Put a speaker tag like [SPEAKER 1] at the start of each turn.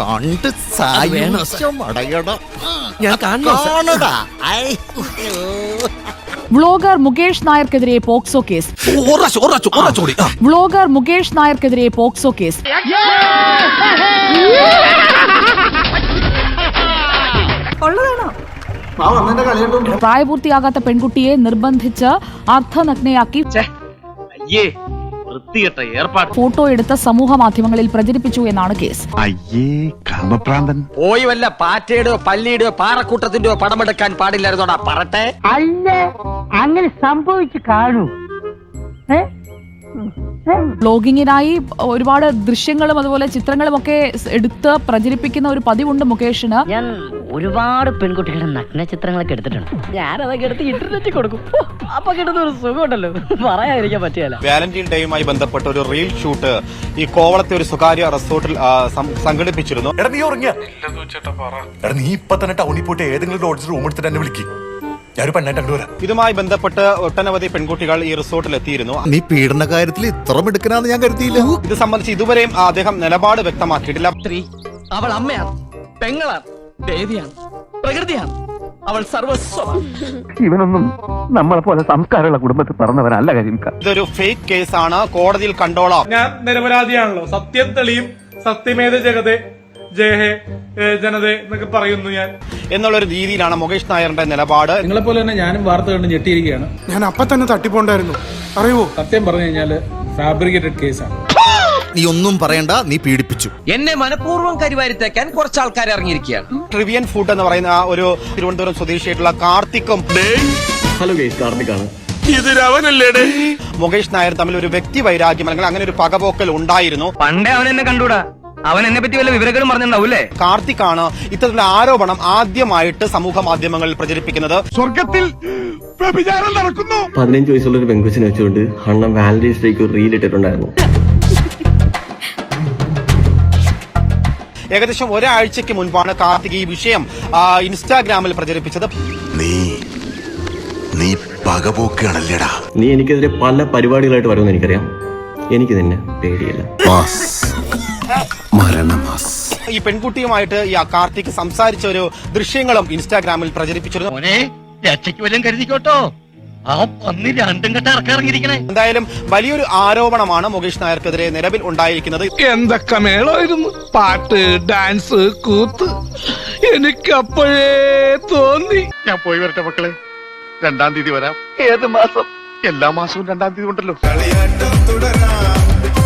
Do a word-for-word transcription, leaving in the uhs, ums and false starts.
[SPEAKER 1] കണ്ട് സായുമടയട
[SPEAKER 2] ഞാൻ
[SPEAKER 1] കാണടാ.
[SPEAKER 3] വ്ളോഗർ മുകേഷ് നായർക്കെതിരെ പോക്സോ കേസ്. വ്ളോഗർ മുകേഷ് നായർക്കെതിരെ പോക്സോ കേസ്. പ്രായപൂർത്തിയാകാത്ത പെൺകുട്ടിയെ നിർബന്ധിച്ച് അർദ്ധനഗ്നയാക്കി ഫോട്ടോ എടുത്ത് സമൂഹ മാധ്യമങ്ങളിൽ പ്രചരിപ്പിച്ചു എന്നാണ് കേസ്.
[SPEAKER 4] പോയി വല്ല പാറ്റയുടെയോ പല്ലിയുടെയോ പാറക്കൂട്ടത്തിന്റെയോ പടമെടുക്കാൻ പാടില്ലായിരുന്നോടാ പറട്ടെ.
[SPEAKER 5] അല്ല, അങ്ങനെ സംഭവിച്ചു കാണൂ.
[SPEAKER 3] ബ്ലോഗിങ്ങിനായി ഒരുപാട് ദൃശ്യങ്ങളും അതുപോലെ ചിത്രങ്ങളും ഒക്കെ എടുത്ത് പ്രചരിപ്പിക്കുന്ന ഒരു പതിവുണ്ട് മുകേഷിന്.
[SPEAKER 5] ഞാൻ ഒരുപാട് പെൺകുട്ടികളുടെ നഗ്ന ചിത്രങ്ങളൊക്കെ എടുത്തിട്ടുണ്ട്. ഞാൻ അതൊക്കെ എടുത്ത് ഇന്റർനെറ്റിൽ കൊടുക്കും. അപ്പൊ കിട്ടുന്ന ഒരു സുഖമുണ്ടല്ലോ, പറയാതിരിക്കാൻ പറ്റിയല്ല.
[SPEAKER 6] വാലന്റൈൻ ഡേയുമായി ബന്ധപ്പെട്ട ഒരു റീൽ ഷൂട്ട് ഈ കോവളത്തെ ഒരു സ്വകാര്യ റിസോർട്ടിൽ സംഘടിപ്പിച്ചിരുന്നു.
[SPEAKER 7] നീ ഇപ്പൊ തന്നെ ടൗണിൽ പോയിട്ട് ഏതെങ്കിലും ലോഡ്ജിൽ റൂം എടുത്തിട്ട് എന്നെ വിളിക്കും.
[SPEAKER 6] ഇതുമായി ബന്ധപ്പെട്ട് ഒട്ടനവധി പെൺകുട്ടികൾ ഈ റിസോർട്ടിൽ എത്തിയിരുന്നു.
[SPEAKER 1] നീ പീഡന കാര്യത്തിൽ ഇത്ര മിടുക്കനാന്ന് ഞാൻ കരുതിയില്ല.
[SPEAKER 6] ഇത് സംബന്ധിച്ച് ഇതുവരെയും അദ്ദേഹം നിലപാട് വ്യക്തമാക്കിയിട്ടില്ല.
[SPEAKER 4] സ്ത്രീ അവൾ അമ്മയാണ്, പെങ്ങളാണ്, ദേവിയാണ്, പ്രകൃതിയാണ്, അവൾ സർവസ്വമാണ്.
[SPEAKER 8] ഇവനൊന്നും നമ്മളെ പോലെ സംസ്കാരമുള്ള കുടുംബത്തിൽ പറഞ്ഞവനല്ല കരിമിക്ക.
[SPEAKER 6] ഇതൊരു ഫേക്ക് കേസാണ്, കോടതിയിൽ കണ്ടോളാം.
[SPEAKER 9] ഞാൻ നിരപരാധിയാണല്ലോ, സത്യം തെളിയും, സത്യമേത ജഗതേ ജയഹേ ജനതേ എന്നൊക്കെ പറയുന്നു ഞാൻ
[SPEAKER 6] എന്നുള്ളൊരു രീതിയിലാണ് മുകേഷ് നായരുടെ നിലപാട്.
[SPEAKER 9] നിങ്ങളെ പോലെ തന്നെ ഞാനും വാർത്ത കണ്ട് ഞെട്ടിയിരിക്കുകയാണ്.
[SPEAKER 10] ഞാൻ അപ്പൊ തന്നെ തട്ടിപ്പോണ്ടായിരുന്നു. അറിയോ,
[SPEAKER 9] സത്യം പറഞ്ഞു കഴിഞ്ഞാല് ഫാബ്രിക്കേറ്റഡ് കേസാണ്.
[SPEAKER 1] നീ ഒന്നും പറയണ്ട, നീ പീഡിപ്പിച്ചു.
[SPEAKER 4] എന്നെ മനഃപൂർവ്വം കരിവാരിത്തേക്കാൻ കുറച്ച് ആൾക്കാർ ഇറങ്ങിയിരിക്കുകയാണ്.
[SPEAKER 6] ട്രിവിയൻ ഫുഡ് എന്ന് പറയുന്ന ഒരു തിരുവനന്തപുരം സ്വദേശിയായിട്ടുള്ള കാർത്തിക്കും
[SPEAKER 8] ഹലോ ഗൈസ്, കാർത്തിക്കാണ്.
[SPEAKER 6] മുകേഷ് നായർ തമ്മിൽ ഒരു വ്യക്തി വൈരാഗ്യം അല്ലെങ്കിൽ അങ്ങനെ ഒരു പകപോക്കൽ ഉണ്ടായിരുന്നു.
[SPEAKER 4] പണ്ടേ അവൻ എന്നെ കണ്ടൂടാ, അവൻ എന്നെ പറ്റി വല്ല വിവരങ്ങളും പറഞ്ഞിട്ടുണ്ടാവൂലേ.
[SPEAKER 6] കാർത്തിക്കാണ് ഇത്തരത്തിലുള്ള ആരോപണം ആദ്യമായിട്ട് സമൂഹ മാധ്യമങ്ങളിൽ പ്രചരിപ്പിക്കുന്നത്.
[SPEAKER 7] സ്വർഗത്തിൽ നടക്കുന്നു.
[SPEAKER 8] പതിനഞ്ച് വയസ്സുള്ള ഒരു പെങ്കുച്ചിനെ വെച്ചുകൊണ്ട് അണ്ണൻ വാലന്റൈൻസ് ഡേക്ക് ഒരു റീൽ ഇട്ടിട്ടുണ്ടായിരുന്നു.
[SPEAKER 6] ഏകദേശം ഒരാഴ്ചക്ക് മുൻപാണ് കാർത്തിക് ഈ വിഷയം ഇൻസ്റ്റാഗ്രാമിൽ പ്രചരിപ്പിച്ചത്.
[SPEAKER 7] നീ നീ പകപോക്കാണല്ലേടാ.
[SPEAKER 8] നീ എനിക്കെതിരെ പല പരിപാടികളായിട്ട് വരുമെന്ന് എനിക്കറിയാം. എനിക്ക് നിന്നെ പേടിയില്ല.
[SPEAKER 6] ഈ പെൺകുട്ടിയുമായിട്ട് ഈ കാർത്തിക് സംസാരിച്ച ഒരു ദൃശ്യങ്ങളും ഇൻസ്റ്റാഗ്രാമിൽ പ്രചരിപ്പിച്ചിരുന്നു. എന്തായാലും വലിയൊരു ആരോപണമാണ് മുകേഷ് നായർക്കെതിരെ നിലവിൽ ഉണ്ടായിരിക്കുന്നത്.
[SPEAKER 10] എന്തൊക്കെ മേളായിരുന്നു, പാട്ട്, ഡാൻസ്, കൂത്ത്. എനിക്ക് അപ്പോഴേ തോന്നി
[SPEAKER 7] ഞാൻ പോയി വരട്ടെ മക്കളെ, രണ്ടാം തീയതി വരാം. ഏത് മാസം? എല്ലാ മാസവും രണ്ടാം തീയതി ഉണ്ടല്ലോ.